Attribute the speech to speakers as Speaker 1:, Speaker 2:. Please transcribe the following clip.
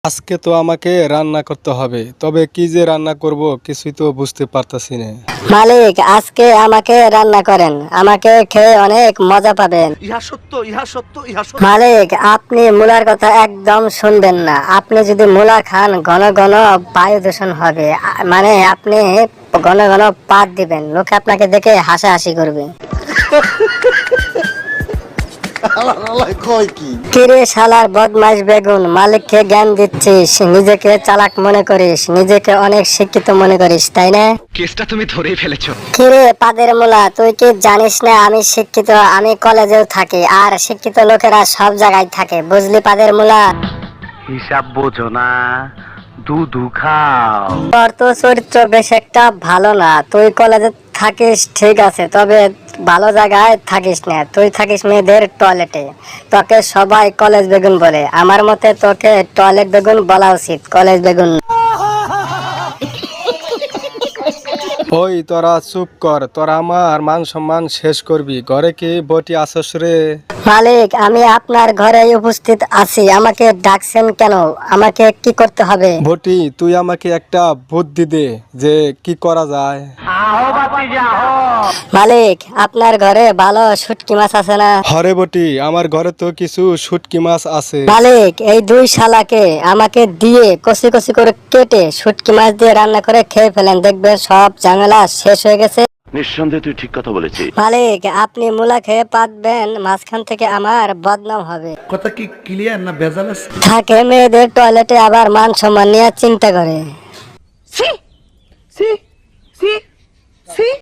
Speaker 1: আজকে তো আমাকে রান্না করতে হবে, তবে কি যে রান্না করব কিছুই তো বুঝতে পারতাছি না।
Speaker 2: মালিক, আজকে আমাকে রান্না করেন, আমাকে খেয়ে অনেক মজা পাবেন।
Speaker 3: ইহা সত্য, ইহা সত্য, ইহা সত্য।
Speaker 2: মালিক, আপনি মূলার কথা একদম শুনবেন না। আপনি যদি মূলা খান ঘন ঘন বায়ু দূষণ হবে। মানে আপনি ঘন ঘন পাত দিবেন, লোকে আপনাকে দেখে হাসাহাসি করবে। কিরে শালার বদমাইশ বেগুন, মালিককে জ্ঞান দিচ্ছিস, নিজেকে চালাক মনে করিস, নিজেকে অনেক শিক্ষিত মনে করিস, তাই না?
Speaker 4: কেসটা তুমি ধরেই ফেলেছো।
Speaker 2: কিরে পাদের মূলা, তুই কি জানিস না আমি শিক্ষিত? আমি কলেজেও থাকি, আর শিক্ষিত লোকেরা সব জায়গায় থাকে, বুঝলি পাদের মূলা?
Speaker 4: হিসাব বোঝো না, দুধু খাও।
Speaker 2: তোর তো চরিত্র বেশ একটা ভালো না। তুই কলেজে থাকিস ঠিক আছে, তবে ভালো জায়গায় থাকিস না। তুই থাকিস মেয়েদের টয়লেটে, তোকে সবাই কলেজ বেগুন বলে। আমার মতে তোকে টয়লেট বেগুন বলা উচিত, কলেজ বেগুন।
Speaker 1: ওই তোরা চুপ কর, তোরা আমার মান সম্মান শেষ করবি। ঘরে কি বটি আসস রে?
Speaker 2: মালিক, আমি আপনার ঘরে উপস্থিত আছি, আমাকে ডাকছেন কেন? আমাকে কি করতে হবে?
Speaker 1: বটি, তুই আমাকে একটা বুদ্ধি দে যে কি করা যায়।
Speaker 2: মালিক, আপনার ঘরে ভালো শুটকি মাছ আছে না?
Speaker 1: হরে বটি, আমার ঘরে তো কিছু শুটকি মাছ আছে।
Speaker 2: মালিক, এই দুই শালাকে আমাকে দিয়ে কষি কষি করে কেটে শুটকি মাছ দিয়ে রান্না করে খেয়ে ফেলেন, দেখবেন সব ঝামেলা শেষ হয়ে গেছে।
Speaker 3: নিঃসন্দেহে তুই ঠিক কথা বলেছিস।
Speaker 2: মালিক, আপনি মূলা খেয়ে পাতবেন, মাঝখান থেকে আমার বদনাম হবে।
Speaker 5: কথা কি ক্লিয়ার না ভেজাল আছে?
Speaker 2: থাকে মেয়েদের টয়লেটে, আবার মান সম্মান নিয়ে চিন্তা করে।